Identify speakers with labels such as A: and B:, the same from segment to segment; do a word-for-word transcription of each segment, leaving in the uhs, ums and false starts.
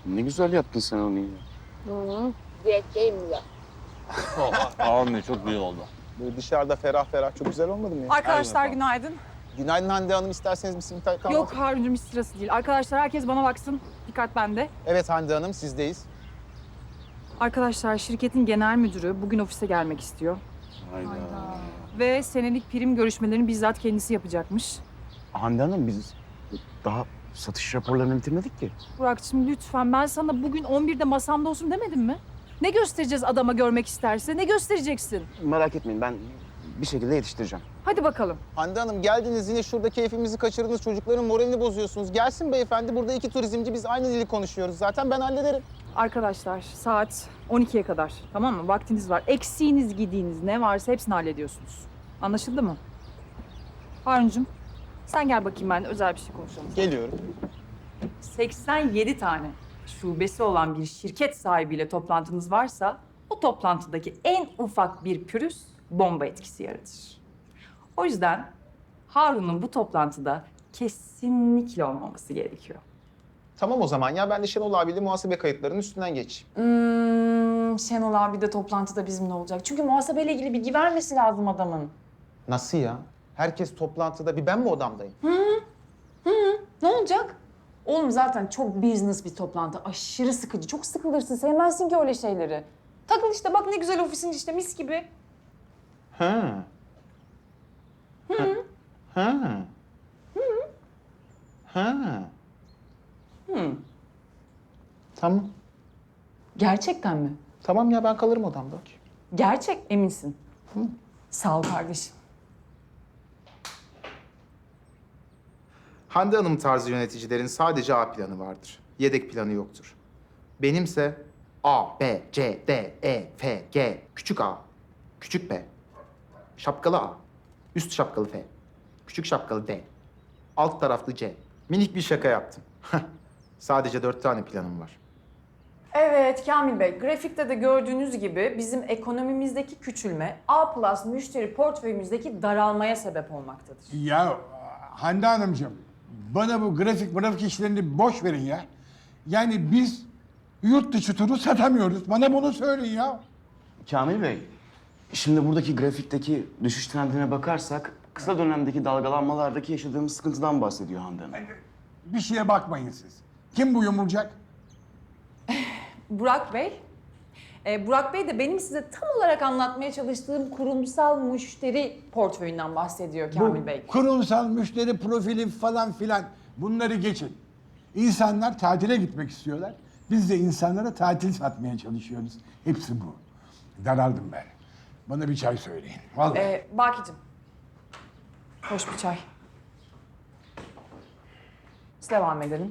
A: Ne güzel yaptın sen onu ya.
B: Hı. Diyetteyim ya.
A: Anne çok iyi oldu.
C: Böyle dışarıda ferah ferah çok güzel olmadı mı ya?
D: Arkadaşlar
A: Aynen.
D: günaydın.
C: Günaydın Hande Hanım, isterseniz bir simit kahvaltı.
D: Yok Harun'cum hiç sırası değil. Arkadaşlar herkes bana baksın. Dikkat bende.
C: Evet Hande Hanım, sizdeyiz.
D: Arkadaşlar şirketin genel müdürü bugün ofise gelmek istiyor.
A: Hayda.
D: Ve senelik prim görüşmelerini bizzat kendisi yapacakmış.
A: Hande Hanım biz daha satış raporlarını bitirmedik ki.
D: Burak'cığım lütfen ben sana bugün on birde masamda olsun demedim mi? Ne göstereceğiz adama görmek isterse? Ne göstereceksin?
A: Merak etmeyin ben bir şekilde yetiştireceğim.
D: Hadi bakalım.
C: Hande Hanım geldiniz yine şurada keyfimizi kaçırdınız. Çocukların moralini bozuyorsunuz. Gelsin beyefendi, burada iki turizmci, biz aynı dili konuşuyoruz. Zaten ben hallederim.
D: Arkadaşlar saat on ikiye kadar tamam mı? Vaktiniz var. Eksiğiniz, gidiğiniz ne varsa hepsini hallediyorsunuz. Anlaşıldı mı? Harun'cum sen gel bakayım ben özel bir şey konuşalım.
C: Geliyorum.
D: seksen yedi tane şubesi olan bir şirket sahibiyle toplantınız varsa o toplantıdaki en ufak bir pürüz bomba etkisi yaratır. O yüzden Harun'un bu toplantıda kesinlikle olmaması gerekiyor.
C: Tamam o zaman ya, ben de Şenol abiyle muhasebe kayıtlarının üstünden geçeyim.
E: Hmm, Şenol abi de toplantıda bizimle olacak. Çünkü muhasebeyle ilgili bilgi vermesi lazım adamın.
C: Nasıl ya? Herkes toplantıda, bir ben mi odamdayım?
E: Ne olacak? Oğlum zaten çok business bir toplantı. Aşırı sıkıcı. Çok sıkılırsın. Sevmezsin ki öyle şeyleri. Takıl işte bak ne güzel ofisin işte mis gibi.
C: Ha. Ha. Ha. Ha.
E: Hı.
C: Tamam.
E: Gerçekten mi?
C: Tamam ya, ben kalırım odamda.
E: Gerçek eminsin. Sağ ol kardeşim.
C: Hande Hanım tarzı yöneticilerin sadece A planı vardır. Yedek planı yoktur. Benimse A, B, C, D, E, F, G, küçük a, küçük b, şapkalı a, üst şapkalı f, küçük şapkalı d, alt taraflı c. Minik bir şaka yaptım. Sadece dört tane planım var.
E: Evet Kamil Bey, grafikte de gördüğünüz gibi bizim ekonomimizdeki küçülme A plus müşteri portföyümüzdeki daralmaya sebep olmaktadır.
F: Ya Hande Hanımcığım, bana bu grafik grafik işlerini boş verin ya. Yani biz yurt dışı turu satamıyoruz. Bana bunu söyleyin ya.
A: Kamil Bey, şimdi buradaki grafikteki düşüş trendine bakarsak kısa dönemdeki dalgalanmalardaki yaşadığımız sıkıntıdan bahsediyor Hande Hanım.
F: Bir şeye bakmayın siz. Kim bu yumurcak?
E: Burak Bey, e, Burak Bey de benim size tam olarak anlatmaya çalıştığım kurumsal müşteri portföyünden bahsediyor Kamil
F: Bu
E: Bey.
F: kurumsal müşteri profili falan filan bunları geçin. İnsanlar tatile gitmek istiyorlar. Biz de insanlara tatil satmaya çalışıyoruz. Hepsi bu. Daraldım ben. Bana bir çay söyleyin. Vallahi.
E: E, Bakicim, hoş bir çay. Biz devam edelim.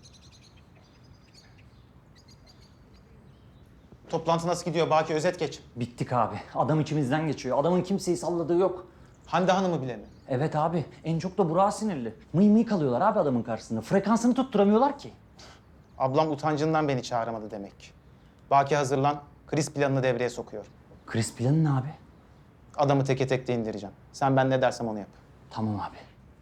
C: Toplantı nasıl gidiyor Baki? Özet geç.
G: Bittik abi. Adam içimizden geçiyor. Adamın kimseyi salladığı yok.
C: Hande Hanım'ı bile mi?
G: Evet abi. En çok da Burak'a sinirli. Mıy mıy kalıyorlar abi adamın karşısında. Frekansını tutturamıyorlar ki.
C: Ablam utancından beni çağıramadı demek. Baki hazırlan, kriz planını devreye sokuyor.
G: Kriz planı ne abi?
C: Adamı teke tek de indireceğim. Sen ben ne dersem onu yap.
G: Tamam abi.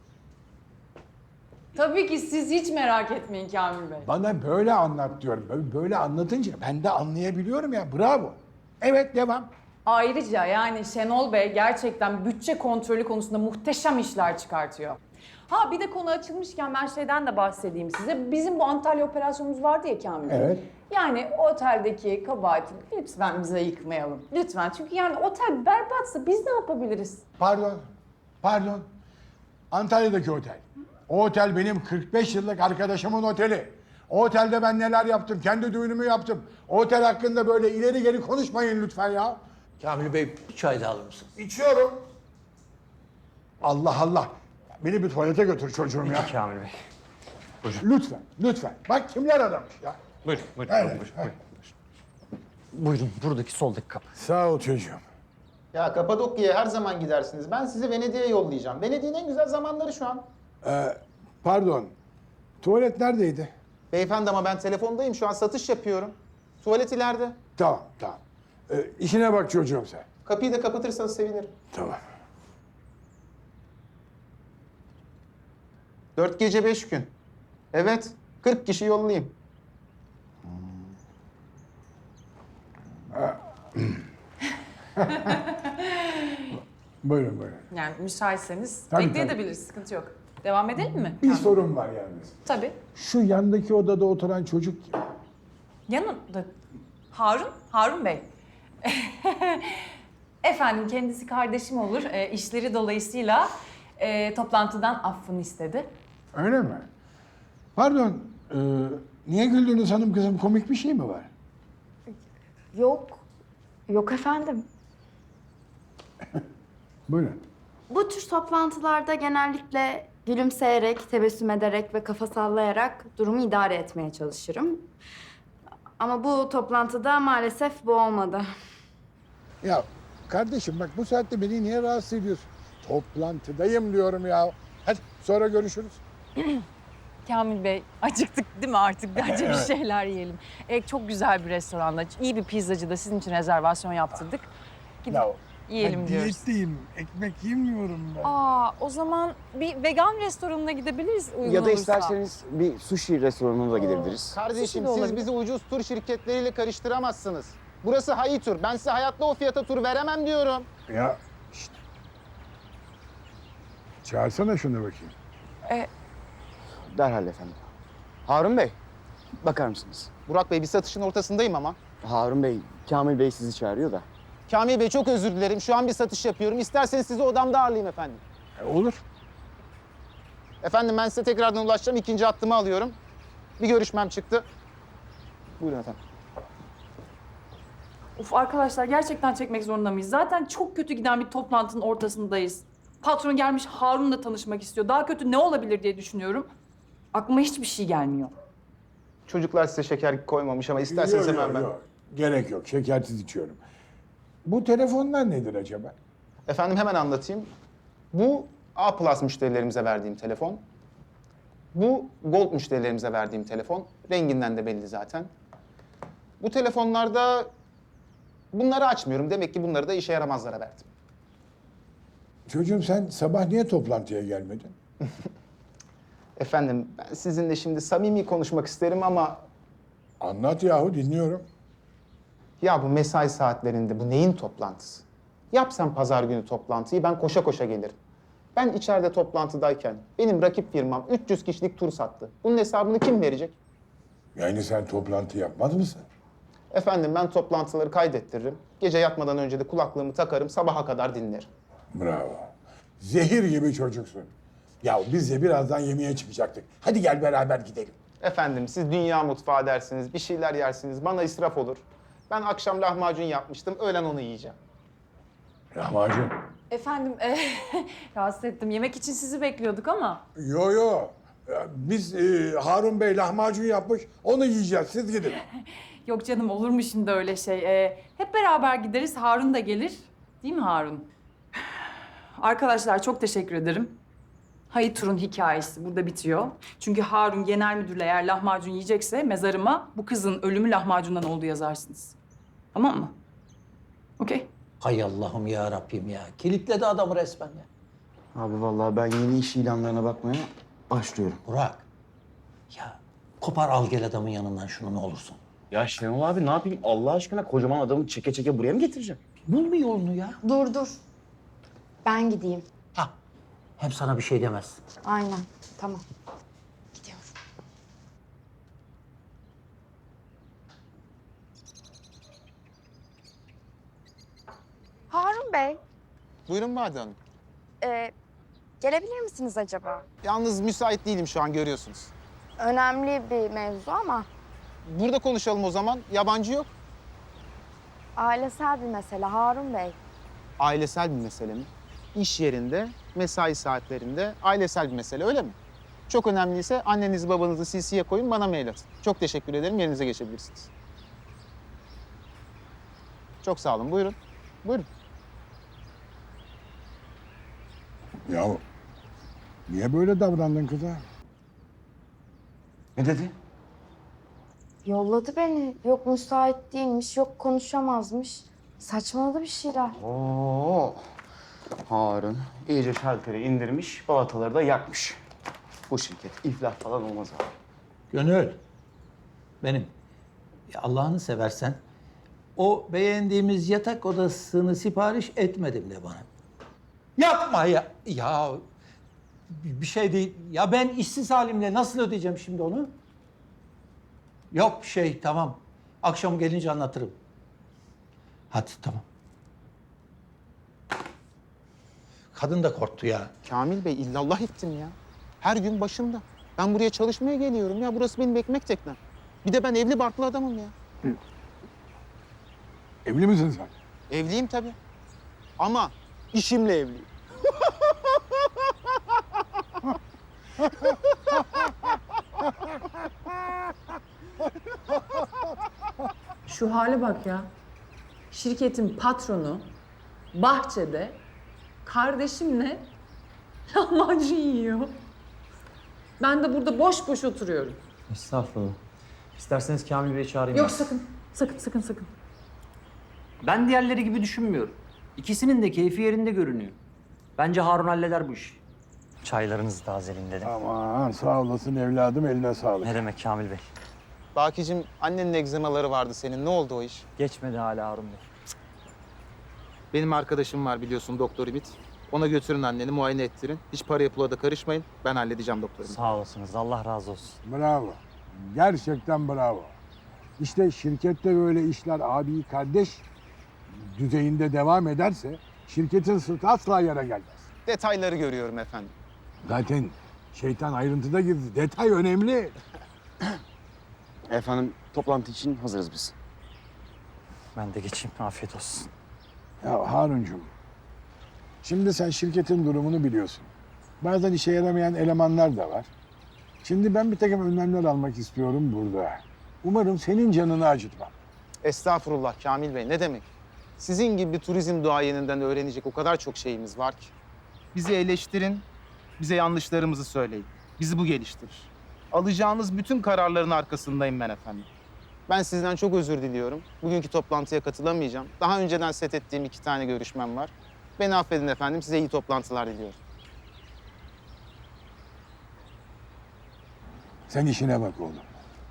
E: Tabii ki siz hiç merak etmeyin Kamil Bey.
F: Bana böyle anlat diyorum. Böyle, böyle anlatınca ben de anlayabiliyorum ya. Bravo. Evet, devam.
E: Ayrıca yani Şenol Bey gerçekten bütçe kontrolü konusunda muhteşem işler çıkartıyor. Ha bir de konu açılmışken ben şeyden de bahsedeyim size. Bizim bu Antalya operasyonumuz vardı ya Kamil Bey.
F: Evet.
E: Yani o oteldeki kabahati lütfen bize yıkmayalım. Lütfen. Çünkü yani otel berbatsa biz ne yapabiliriz?
F: Pardon. Pardon. Antalya'daki otel. O otel benim kırk beş yıllık arkadaşımın oteli. O otelde ben neler yaptım, kendi düğünümü yaptım. O otel hakkında böyle ileri geri konuşmayın lütfen ya.
H: Kamil Bey bir çay da alır mısın?
F: İçiyorum. Allah Allah. Beni bir tuvalete götür çocuğum ya.
G: Kamil Bey.
F: Lütfen, lütfen. Bak kimler aramış ya.
G: Buyurun, buyurun.
F: Evet,
G: buyurun,
F: evet.
G: buyurun. Buyurun, buradaki soldaki kapı.
F: Sağ ol çocuğum.
C: Ya Kapadokya'ya her zaman gidersiniz. Ben sizi Venedik'e yollayacağım. Venedik'in en güzel zamanları şu an.
F: Ee, pardon. Tuvalet neredeydi?
C: Beyefendi ama ben telefondayım. Şu an satış yapıyorum. Tuvalet ileride.
F: Tamam, tamam. Ee, işine bak çocuğum sen.
C: Kapıyı da kapatırsanız sevinirim.
F: Tamam.
C: Dört gece beş gün. Evet, kırk kişi yollayayım.
F: Buyurun buyurun.
E: Yani müsaitseniz
F: Tabii,
E: bekleyebiliriz, sıkıntı yok. Devam edelim mi?
F: Bir sorun var yalnız.
E: Tabii.
F: Şu yandaki odada oturan çocuk kim?
E: Yanında Harun, Harun Bey. Efendim kendisi kardeşim olur. E, işleri dolayısıyla e, toplantıdan affını istedi.
F: Öyle mi? Pardon, e, niye güldünüz hanım kızım? Komik bir şey mi var?
B: Yok. Yok efendim.
F: Buyurun.
I: Bu tür toplantılarda genellikle gülümseyerek, tebessüm ederek ve kafa sallayarak durumu idare etmeye çalışırım. Ama bu toplantıda maalesef bu olmadı.
F: Ya kardeşim bak bu saatte beni niye rahatsız ediyorsun? Toplantıdayım diyorum ya. Hadi sonra görüşürüz.
E: Kamil Bey, acıktık değil mi artık? Bence bir şeyler yiyelim. E, çok güzel bir restoranda, iyi bir pizzacıda sizin için rezervasyon yaptırdık. Gidip
F: Ya,
E: yiyelim
F: ben
E: diyoruz.
F: diyetteyim. Ekmek yemiyorum ben.
E: Aa, o zaman bir vegan restoranına gidebiliriz uygun
A: Ya da
E: olursa.
A: isterseniz bir sushi restoranına da gidebiliriz.
C: Kardeşim
E: Sushi de
C: siz
E: olabilir.
C: bizi ucuz tur şirketleriyle karıştıramazsınız. Burası Hayi Tur. Ben size hayatta o fiyata tur veremem diyorum.
F: Ya şşt. Çağırsana şunu bakayım.
A: Derhal efendim. Harun Bey, bakar mısınız?
C: Burak Bey bir satışın ortasındayım ama.
A: Harun Bey, Kamil Bey sizi çağırıyor da.
C: Kamil Bey çok özür dilerim. Şu an bir satış yapıyorum. İsterseniz sizi odamda ağırlayayım efendim.
F: E, olur.
C: Efendim ben size tekrardan ulaşacağım. İkinci hattımı alıyorum. Bir görüşmem çıktı. Buyurun efendim.
D: Uf arkadaşlar gerçekten çekmek zorunda mıyız? Zaten çok kötü giden bir toplantının ortasındayız. Patron gelmiş Harun'la tanışmak istiyor. Daha kötü ne olabilir diye düşünüyorum. Aklıma hiçbir şey gelmiyor.
C: Çocuklar size şeker koymamış ama isterseniz
F: Yok,
C: hemen
F: yok,
C: ben...
F: yok. Gerek yok. Şekersiz içiyorum. Bu telefonlar nedir acaba?
C: Efendim hemen anlatayım. Bu A Plus müşterilerimize verdiğim telefon. Bu Gold müşterilerimize verdiğim telefon. Renginden de belli zaten. Bu telefonlarda bunları açmıyorum. Demek ki bunları da işe yaramazlara verdim.
F: Çocuğum sen sabah niye toplantıya gelmedin?
C: Efendim ben sizinle şimdi samimi konuşmak isterim ama
F: Anlat yahu dinliyorum.
C: ya bu mesai saatlerinde bu neyin toplantısı? Yapsam pazar günü toplantıyı ben koşa koşa gelirim. Ben içeride toplantıdayken benim rakip firmam üç yüz kişilik tur sattı. Bunun hesabını kim verecek?
F: Yani sen toplantı yapmaz mısın?
C: Efendim ben toplantıları kaydettiririm. Gece yatmadan önce de kulaklığımı takarım, sabaha kadar dinlerim.
F: Bravo. Zehir gibi çocuksun. Ya biz de birazdan yemeğe çıkacaktık. Hadi gel beraber gidelim.
C: Efendim siz dünya mutfağı dersiniz, bir şeyler yersiniz, bana israf olur. Ben akşam lahmacun yapmıştım, öğlen onu yiyeceğim.
F: Lahmacun.
E: Efendim, e, rahatsız ettim. Yemek için sizi bekliyorduk ama.
F: Yo yo. Ya Biz e, Harun Bey lahmacun yapmış. Onu yiyeceğiz. Siz gidin.
D: Yok canım olur mu şimdi öyle şey? Ee, hep beraber gideriz. Harun da gelir. Değil mi Harun? Arkadaşlar çok teşekkür ederim. Hayır Tur'un hikayesi burada bitiyor. Çünkü Harun genel müdürle eğer lahmacun yiyecekse mezarıma bu kızın ölümü lahmacundan oldu yazarsınız. Tamam mı? Okey.
H: Hay Allah'ım ya Rabbim ya. Kilitledi adamı resmen ya.
A: Abi vallahi ben yeni iş ilanlarına bakmaya başlıyorum.
H: Burak. Ya kopar al gel adamın yanından şunu ne olursun.
A: Ya Şenol abi ne yapayım Allah aşkına kocaman adamı çeke çeke buraya mı getireceğim?
H: Bul bir yolunu ya.
I: Dur dur. Ben gideyim.
H: Ha. Hem sana bir şey demez.
I: Aynen. Tamam. Gidiyorum. Harun Bey,
C: Buyurun Bade Hanım.
I: e, gelebilir misiniz acaba?
C: Yalnız müsait değilim şu an görüyorsunuz.
I: Önemli bir mevzu ama
C: Burada konuşalım o zaman, yabancı yok.
I: ailesel bir mesele Harun Bey.
C: Ailesel bir mesele mi? İş yerinde, mesai saatlerinde ailesel bir mesele öyle mi? Çok önemliyse annenizi babanızı C C'ye koyun bana mail atın. Çok teşekkür ederim yerinize geçebilirsiniz. Çok sağ olun buyurun. Buyurun.
F: Ya niye böyle davrandın kıza?
A: Ne dedi?
I: Yolladı beni. Yok müsait değilmiş, yok konuşamazmış. Saçmaladı bir şeyler.
A: Oo. Harun iyice şalteri indirmiş, balataları da yakmış. Bu şirket iflah falan olmaz abi.
H: Gönül. Benim. Ya Allah'ını seversen O beğendiğimiz yatak odasını sipariş etmedim de bana. Yapma ya. Ya bir şey değil. Ya ben işsiz halimle nasıl ödeyeceğim şimdi onu? Yok bir şey, tamam. Akşam gelince anlatırım. Hadi tamam. Kadın da korktu ya.
C: Kamil Bey illallah ettim ya. Her gün başımda. Ben buraya çalışmaya geliyorum ya. Burası benim ekmek teknem. Bir de ben evli barklı adamım ya.
F: Evli misin sen?
C: Evliyim tabii. Ama işimle evliyim.
E: Şu hale bak ya. Şirketin patronu bahçede kardeşimle lahmacun yiyor. Ben de burada boş boş oturuyorum.
G: Estağfurullah. İsterseniz Kamil Bey'i çağırayım.
E: Yok
G: ben.
E: sakın, sakın, sakın, sakın.
G: Ben diğerleri gibi düşünmüyorum. İkisinin de keyfi yerinde görünüyor. Bence Harun halleder bu işi. Çaylarınızı tazeleyin dedim.
F: Aman sağ olasın evladım, eline sağlık.
G: Ne demek Kamil Bey?
C: Bakicim annenin egzemaları vardı senin. Ne oldu o iş?
G: Geçmedi hala Harun Bey.
C: Benim arkadaşım var biliyorsun Doktor Ümit. Ona götürün anneni muayene ettirin. Hiç paraya pula da karışmayın. Ben halledeceğim Doktor Ümit.
G: Sağ olasınız. Allah razı olsun.
F: Bravo. Gerçekten bravo. İşte şirkette böyle işler abi kardeş düzeyinde devam ederse şirketin sırtı asla yere gelmez.
C: Detayları görüyorum efendim.
F: Zaten şeytan ayrıntıda gizli. Detay önemli.
A: Efendim toplantı için hazırız biz.
G: Ben de geçeyim. Afiyet olsun.
F: Ya Haruncuğum, şimdi sen şirketin durumunu biliyorsun. Bazen işe yaramayan elemanlar da var. Şimdi ben bir takım önlemler almak istiyorum burada. Umarım senin canını acıtmam.
C: Estağfurullah Kamil Bey ne demek? Sizin gibi bir turizm duayeninden öğrenecek o kadar çok şeyimiz var ki. Bizi eleştirin, bize yanlışlarımızı söyleyin. Bizi bu geliştirir. Alacağınız bütün kararların arkasındayım ben efendim. Ben sizden çok özür diliyorum. Bugünkü toplantıya katılamayacağım. Daha önceden set ettiğim iki tane görüşmem var. Beni affedin efendim. Size iyi toplantılar diliyorum.
F: Sen işine bak oğlum.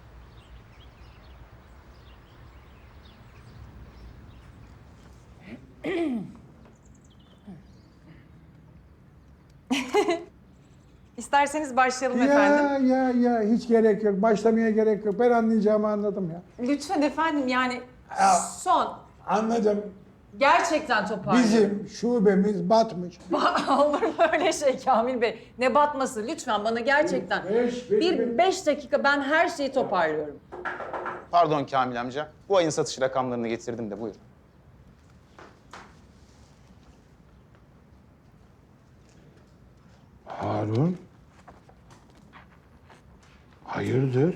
E: İsterseniz başlayalım
F: Ya
E: efendim.
F: ya ya hiç gerek yok. Başlamaya gerek yok. Ben anlayacağımı anladım ya.
E: Lütfen efendim yani son.
F: Anladım.
E: Gerçekten toparlayın.
F: Bizim şubemiz batmış.
E: Olur mu öyle şey Kamil Bey? Ne batması lütfen bana gerçekten.
F: Beş, beş,
E: bir
F: beş.
E: beş dakika ben her şeyi toparlıyorum.
C: Pardon Kamil amca. Bu ayın satış rakamlarını getirdim de buyurun.
F: Harun. Hayırdır?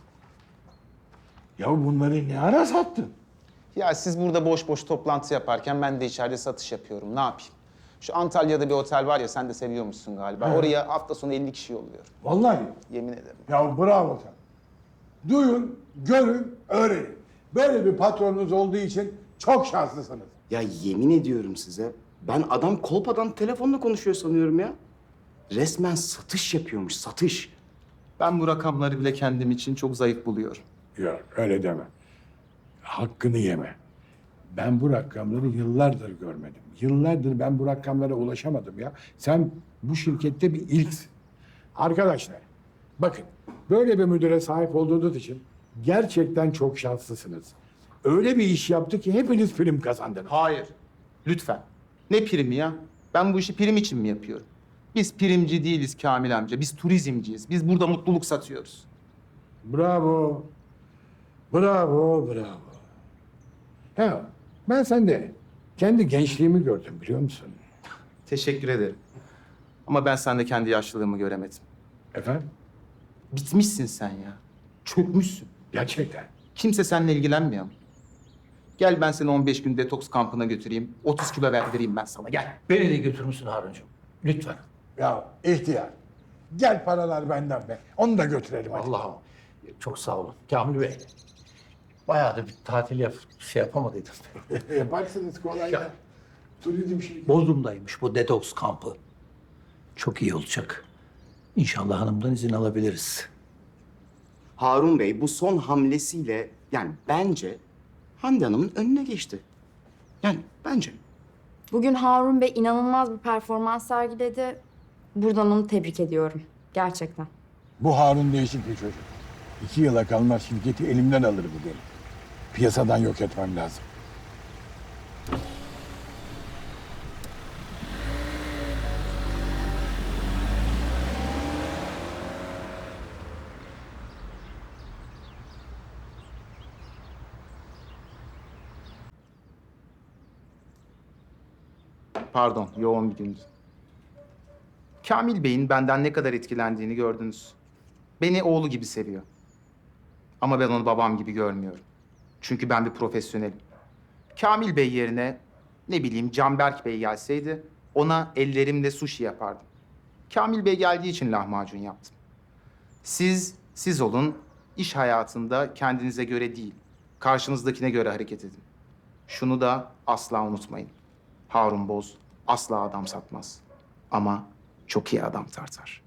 F: Ya bunları ne ara sattın?
C: Ya siz burada boş boş toplantı yaparken ben de içeride satış yapıyorum. Ne yapayım? Şu Antalya'da bir otel var ya sen de seviyormuşsun galiba.
F: He.
C: Oraya hafta sonu elli kişi yolluyorum.
F: Vallahi.
C: Yemin ederim.
F: Ya bravo sen. Duyun, görün, öğrenin. Böyle bir patronunuz olduğu için çok şanslısınız.
A: Ya yemin ediyorum size ben adam kolpadan telefonla konuşuyor sanıyorum ya. Resmen satış yapıyormuş, satış.
C: Ben bu rakamları bile kendim için çok zayıf buluyorum.
F: Yok öyle deme. Hakkını yeme. Ben bu rakamları yıllardır görmedim. Yıllardır ben bu rakamlara ulaşamadım ya. Sen bu şirkette bir ilksin. Arkadaşlar bakın böyle bir müdüre sahip olduğunuz için gerçekten çok şanslısınız. Öyle bir iş yaptı ki hepiniz prim kazandınız.
C: Hayır. Lütfen. Ne primi ya? Ben bu işi prim için mi yapıyorum? Biz primci değiliz Kamil amca. Biz turizmciyiz. Biz burada mutluluk satıyoruz.
F: Bravo. Bravo, bravo. Ya ben sende kendi gençliğimi gördüm biliyor musun?
C: Teşekkür ederim. Ama ben sende kendi yaşlılığımı göremedim.
F: Efendim?
C: Bitmişsin sen ya. Çökmüşsün.
F: Gerçekten.
C: Kimse seninle ilgilenmiyor. Gel ben seni on beş gün detoks kampına götüreyim. otuz kilo verdireyim ben sana. Gel.
H: Beni de götürür müsün Haruncuğum? Lütfen.
F: Ya ihtiyar. Gel paralar benden be. Onu da götürelim hadi.
H: Allah'ım. Çok sağ olun. Kamil Bey. Bayağı da bir tatil yap şey yapamadıydım.
F: Yaparsınız kolay ya. Turizm şey.
H: Bodrum'daymış bu detoks kampı. Çok iyi olacak. İnşallah hanımdan izin alabiliriz.
A: Harun Bey bu son hamlesiyle yani bence Hande Hanım'ın önüne geçti. Yani bence.
I: Bugün Harun Bey inanılmaz bir performans sergiledi. Buradan onu tebrik ediyorum. Gerçekten.
F: Bu Harun değişik bir çocuk. İki yıla kalmaz şirketi elimden alır bu benim. Piyasadan yok etmem lazım.
C: Pardon, yoğun bir gündü. Kamil Bey'in benden ne kadar etkilendiğini gördünüz. Beni oğlu gibi seviyor. Ama ben onu babam gibi görmüyorum. Çünkü ben bir profesyonelim. Kamil Bey yerine ne bileyim Canberk Bey gelseydi ona ellerimle sushi yapardım. Kamil Bey geldiği için lahmacun yaptım. Siz, siz olun, iş hayatında kendinize göre değil, karşınızdakine göre hareket edin. Şunu da asla unutmayın. Harun Boz asla adam satmaz. Ama çok iyi adam tartar.